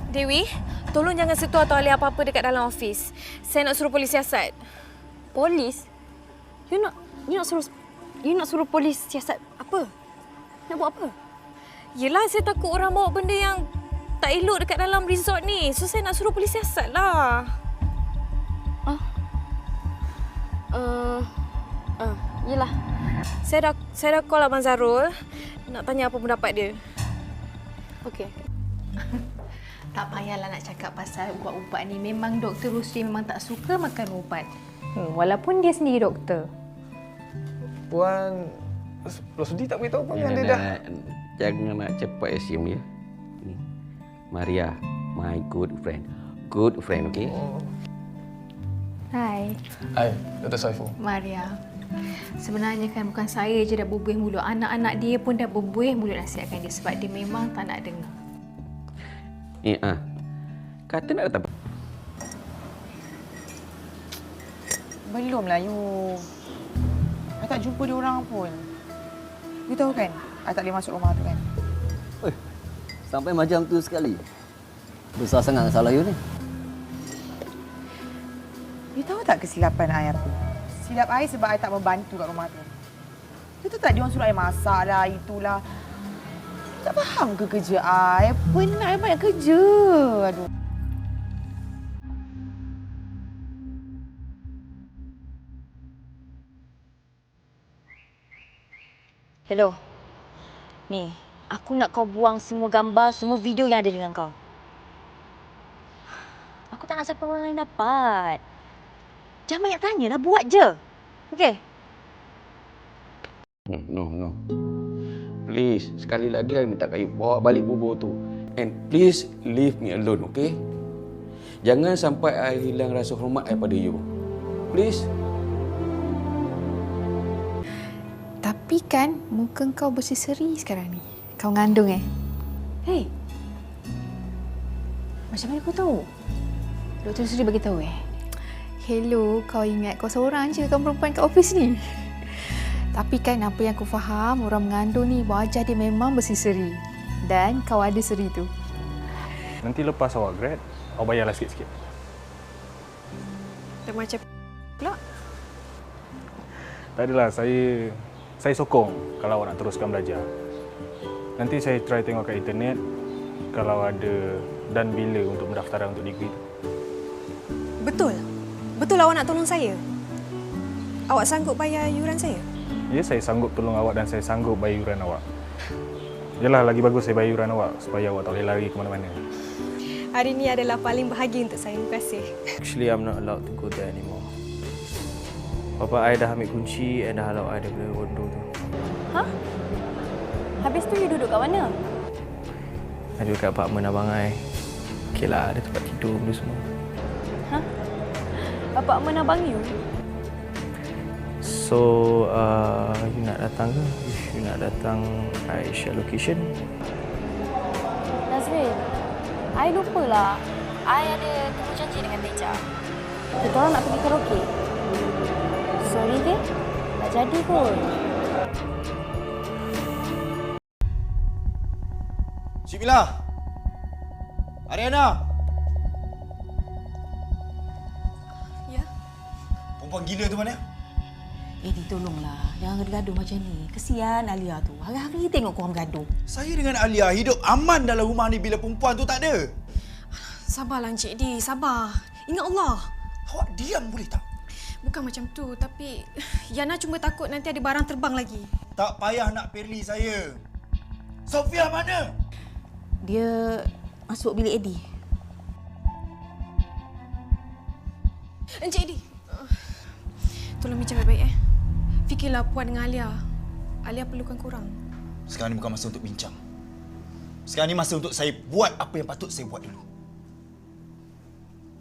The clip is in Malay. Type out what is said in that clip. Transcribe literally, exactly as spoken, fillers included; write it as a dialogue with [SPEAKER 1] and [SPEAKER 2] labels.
[SPEAKER 1] Dewi, tolong jangan sentuh atau alih apa-apa dekat dalam ofis. Saya nak suruh polis siasat.
[SPEAKER 2] Polis? You nak you nak suruh you nak suruh polis siasat apa? Nak buat apa?
[SPEAKER 1] Yelah, saya takut orang bawa benda yang tak elok dekat dalam resort ni. So, saya nak suruh polis siasat lah.
[SPEAKER 2] Ah. Uh, uh, yelah.
[SPEAKER 1] Saya dah saya dah call Abang Zarul. Nak tanya apa pendapat dia.
[SPEAKER 2] Okey.
[SPEAKER 3] Tak payahlah nak cakap pasal ubat-ubat ni. Memang Doktor Rusdi memang tak suka makan ubat. Hmm, walaupun dia sendiri doktor.
[SPEAKER 4] Puan Rosdi tak beritahu pun yang dia dah.
[SPEAKER 5] Jangan nak cepat assume ya. Maria, my good friend. Good friend, okey?
[SPEAKER 4] Oh.
[SPEAKER 3] Hai.
[SPEAKER 4] Hai, Doktor Saiful.
[SPEAKER 3] Maria. Sebenarnya kan bukan saya je dah berbuih mulut. Anak-anak dia pun dah berbuih mulut nasihatkan dia sebab dia memang tak nak dengar.
[SPEAKER 5] Eh, ah. Kata nak datang.
[SPEAKER 6] Belumlah you. I tak jumpa dia orang pun. You tahu kan, I tak boleh masuk rumah tu kan.
[SPEAKER 7] Eh, sampai macam tu sekali. Besar sangat salah you ni.
[SPEAKER 6] You tahu tak kesilapan I apa? Silap I sebab I tak membantu kat rumah tu. You tahu tak dia orang suruh I masak lah, itulah. You tak faham ke kerja I? Penat I banyak kerja. Aduh.
[SPEAKER 2] Hello. Ni, aku nak kau buang semua gambar, semua video yang ada dengan kau. Aku tak nak sampai orang lain dapat. Jangan banyak tanya lah, buat je. Okey?
[SPEAKER 5] Hmm, no, no. Please, sekali lagi saya minta kayu bawa balik bubur tu. And please leave me alone, okey? Jangan sampai I hilang rasa hormat I pada you. Please.
[SPEAKER 3] Tapi kan muka kau berseri-seri sekarang ni. Kau ngandung eh?
[SPEAKER 2] Hei. Macam mana kau tahu?
[SPEAKER 3] Doktor Suri bagi tahu eh. Hello, kau ingat kau seorang je kau perempuan kat office ni. Tapi kan apa yang aku faham, orang mengandung ni wajah dia memang berseri-seri. Dan kau ada seri tu.
[SPEAKER 4] Nanti lepas awak grad, awak bayarlah sikit-sikit.
[SPEAKER 1] Dah macam pula.
[SPEAKER 4] Tak adalah, saya saya sokong kalau awak nak teruskan belajar. Nanti saya try tengok kat internet kalau ada dan bila untuk pendaftaran untuk degree tu.
[SPEAKER 1] Betul? Betul awak nak tolong saya? Awak sanggup bayar yuran saya?
[SPEAKER 4] Ya, saya sanggup tolong awak dan saya sanggup bayar yuran awak. Yalah, lagi bagus saya bayar yuran awak supaya awak tak boleh lari ke mana-mana.
[SPEAKER 1] Hari ini adalah paling bahagia untuk saya. Terima kasih.
[SPEAKER 8] Actually, I'm not allowed to go there anymore. Bapa I dah ambil kunci and dah halau I daripada kondo tu.
[SPEAKER 2] Hah? Habis tu you duduk kat mana?
[SPEAKER 8] I duduk kat apartmen abang I. Okey lah, ada tempat tidur benda semua.
[SPEAKER 2] Hah? Apartmen abang you?
[SPEAKER 8] So, uh, you nak datang ke? If you nak datang, I share location.
[SPEAKER 2] Nazrin, I lupa lah. I ada temu janji dengan Teja. Kita orang nak pergi karaoke. Sorry ke? Tak jadi pun.
[SPEAKER 9] Cik Mila! Ariana!
[SPEAKER 1] Ya?
[SPEAKER 9] Perempuan gila tu mana?
[SPEAKER 6] Eddie, tolonglah. Jangan gaduh macam ni. Kesian Alia tu. Hari-hari tengok korang gaduh.
[SPEAKER 9] Saya dengan Alia hidup aman dalam rumah ni bila perempuan tu tak ada.
[SPEAKER 1] Sabarlah Encik Di, sabar. Ingat Allah.
[SPEAKER 9] Awak diam boleh tak?
[SPEAKER 1] Bukan macam tu, tapi Yana cuma takut nanti ada barang terbang lagi.
[SPEAKER 9] Tak payah nak perli saya. Sofia mana?
[SPEAKER 6] Dia masuk bilik Eddie.
[SPEAKER 1] Encik Di, uh, tolong bincang baik-baik eh. Fikirlah Puan dengan Alia. Alia perlukan korang.
[SPEAKER 9] Sekarang ni bukan masa untuk bincang. Sekarang ni masa untuk saya buat apa yang patut saya buat dulu.